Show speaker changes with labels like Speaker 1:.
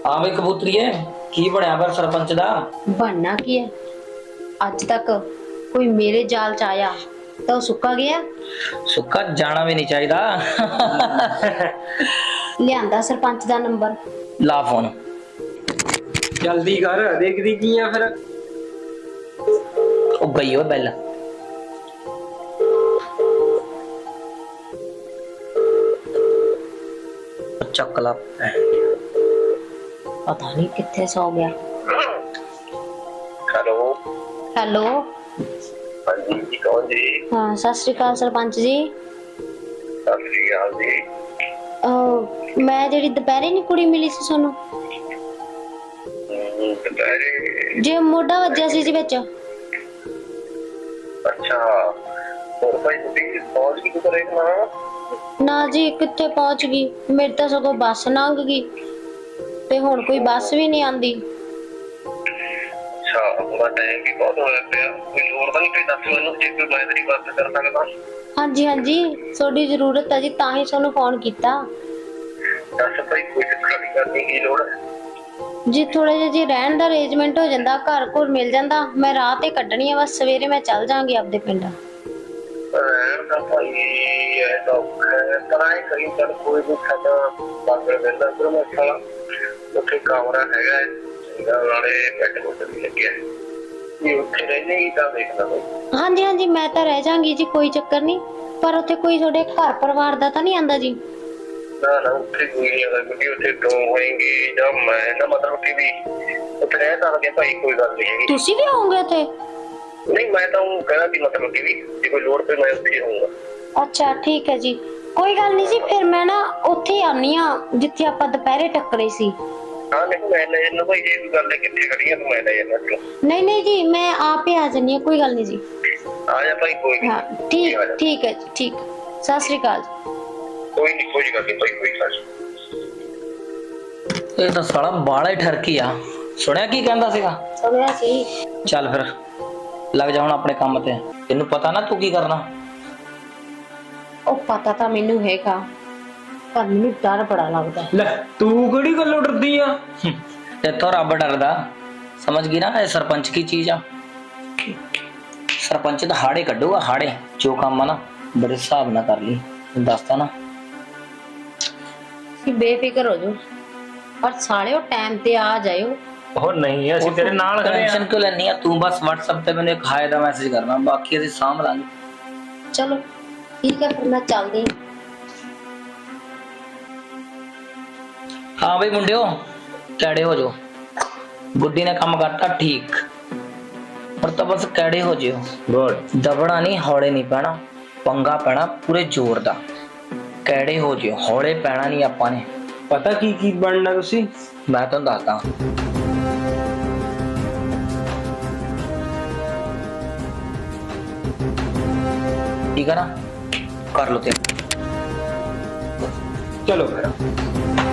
Speaker 1: हाँ भाई कबूतरी है की बनया पर सरपंच दा
Speaker 2: बनना की है। अज तक कोई मेरे जाल च आया तो सुक्का गया।
Speaker 1: सुक्का जाना भी नहीं चाहिए।
Speaker 2: लियांदा सरपंच दा नंबर।
Speaker 1: ला फोन
Speaker 3: जल्दी कर देखदी की आ फिर।
Speaker 1: ओ गई हो बेल चकला
Speaker 2: पता नहीं कितने सो गया।
Speaker 4: हेलो।
Speaker 2: हेलो।
Speaker 4: हाँ जी कौन जी?
Speaker 2: हाँ सत श्री अकाल सरपंच जी।
Speaker 4: सत श्री अकाल जी।
Speaker 2: मैं जेडी दोपहरे नी कुड़ी मिली सी सोनू
Speaker 4: दोपहरे?
Speaker 2: जे मोढा वज्जिया सी जी विच।
Speaker 4: अच्छा और भाई तुसी पहुंच गई तो ना?
Speaker 2: ना जी कितने पहुंच गई, मेरी तो सगो बस लंघ गई ते हुण कोई बस भी नहीं आंदी।
Speaker 4: अच्छा पूरा टाइम भी बहुत होया पिया, कोई लोड़ तो नहीं कोई दस मैनू जे कोई मैं तेरी बात कर सकदा?
Speaker 2: हाँ जी थोड़ी जरूरत है जी तां ही सोनू फोन कीता।
Speaker 4: दस भाई कोई चक्कर नहीं करनी की लोड़ है
Speaker 2: जी थोड़ा जिहा जी रहन दा अरेंजमेंट हो जांदा, घर घुर मिल जांदा, मैं रात ही कड्ढनी है, बस सवेरे मैं चल जांगी आपदे पिंड।
Speaker 4: रहन दा भाई ऐसा पर आए कहीं चल कोई भी साडा बागर वेंदा फिर मैं साला उत्थे कमरा हैगा चंगा नाले बैठ बुठ भी लग्या ये उत्थे रहने की तां देखना भाई।
Speaker 2: हाँ जी मैं तो रह जांगी जी, कोई चक्कर नहीं, पर उत्थे कोई थोड़े घर परिवार दा तां नहीं आंदा जी?
Speaker 4: ना ना उत्थे कोई नहीं आंदा क्योंकि उत्थे दो होएंगे जब मैं ना मतलब कि भी उत्थे रह सकदे भाई कोई गल नहीं हैगी।
Speaker 2: तुसी भी होंगे उत्थे?
Speaker 4: नहीं मैं तो कहना भी मतलब कि भी जे कोई लोड़ पे मैं उत्थे ही रहूंगा।
Speaker 2: अच्छा ठीक है जी, कोई गल नहीं जी, फिर मैं ना उत्थे ही आनी हां जिथे आपां दोपहरे टक्करे सी।
Speaker 4: हाँ नहीं मैं ले जाना भाई, ये गल है कितने खड़ी है तो मैं ले जाना तू।
Speaker 2: नहीं जी मैं आप ही आ जानी, कोई गल नहीं जी।
Speaker 4: आ जा भाई कोई नहीं।
Speaker 2: हाँ ठीक है जी, ठीक। सत श्री अकाल।
Speaker 4: कोई नहीं कोई गल नहीं भाई कोई गल
Speaker 1: ਇਹ ਤਾਂ ਸਾਲਾ ਬਾਲਾ ਹੀ ਠਰਕੀ ਆ। ਸੁਣਿਆ ਕੀ ਕਹਿੰਦਾ ਸੀਗਾ?
Speaker 2: ਸੁਣਿਆ ਸੀ।
Speaker 1: ਚੱਲ ਫਿਰ ਲੱਗ ਜਾ ਹੁਣ ਆਪਣੇ ਕੰਮ ਤੇ। ਤੈਨੂੰ ਪਤਾ ਨਾ ਤੂੰ ਕੀ ਕਰਨਾ?
Speaker 2: ਉਹ ਪਤਾ ਤਾਂ ਮੈਨੂੰ ਹੈਗਾ ਪਰ ਮੈਨੂੰ ਡਰ ਬੜਾ ਲੱਗਦਾ।
Speaker 3: ਲੈ ਤੂੰ ਕਿਹੜੀ ਗੱਲੋਂ ਡਰਦੀ ਆ?
Speaker 1: ਤੇਥੋਂ ਰੱਬ ਡਰਦਾ। ਸਮਝ ਗਈ ਨਾ, ਇਹ ਸਰਪੰਚ ਕੀ ਚੀਜ਼ ਆ। ਸਰਪੰਚ ਤਾਂ ਹਾੜੇ ਕੱਢੂਗਾ, ਹਾੜੇ ਜੋ ਕੰਮ ਆ ਨਾ ਬੜੇ ਹਿਸਾਬ ਨਾਲ ਕਰ ਲਈ, ਦੱਸਦਾ ਨਾ।
Speaker 2: ਬੇਫਿਕਰ ਹੋ ਜਾਓ ਪਰ ਸਾਲਿਓ ਟਾਈਮ ਤੇ ਆ ਜਾਇਓ।
Speaker 3: ਉਹ ਨਹੀਂ ਅਸੀਂ ਤੇਰੇ ਨਾਲ ਖੜੇ ਆ।
Speaker 1: ਟੈਨਸ਼ਨ ਕਿਉਂ ਲੈਣੀ ਆ ਤੂੰ? ਬਸ WhatsApp ਤੇ ਮੈਨੂੰ ਇੱਕ ਹਾਏ ਦਾ ਮੈਸੇਜ ਕਰਨਾ, ਬਾਕੀ ਅਸੀਂ ਸਾਂਭ ਲਾਂਗੇ।
Speaker 2: ਚਲੋ ਠੀਕ ਹੈ ਫਿਰ ਮੈਂ ਚੱਲਦੀ।
Speaker 1: ਹਾਂ ਬਈ ਮੁੰਡਿਓ ਕੈੜੇ ਹੋ ਜਾਓ। ਗੁੱਡੀ ਨੇ ਕੰਮ ਕਰਤਾ ਠੀਕ, ਪਰ ਤਾਂ ਬਸ ਕੈੜੇ ਹੋ ਜਿਓ।
Speaker 3: ਗੁੱਡ।
Speaker 1: ਦਬਣਾ ਨਹੀਂ, ਹੌਲੇ ਨਹੀਂ ਪੈਣਾ, ਪੰਗਾ ਪੈਣਾ ਪੂਰੇ ਜ਼ੋਰ ਦਾ। ਕੈੜੇ ਹੋ ਜਿਓ, ਹੌਲੇ ਪੈਣਾ ਨਹੀਂ ਆਪਾਂ ਨੇ।
Speaker 3: ਪਤਾ ਕੀ ਬਣਨਾ ਤੁਸੀਂ?
Speaker 1: ਮੈਂ ਤੁਹਾਨੂੰ ਦੱਸਦਾ। ਠੀਕ ਹੈ ਨਾ, ਕਰ ਲਓ ਤੇ
Speaker 3: ਚਲੋ ਫਿਰ।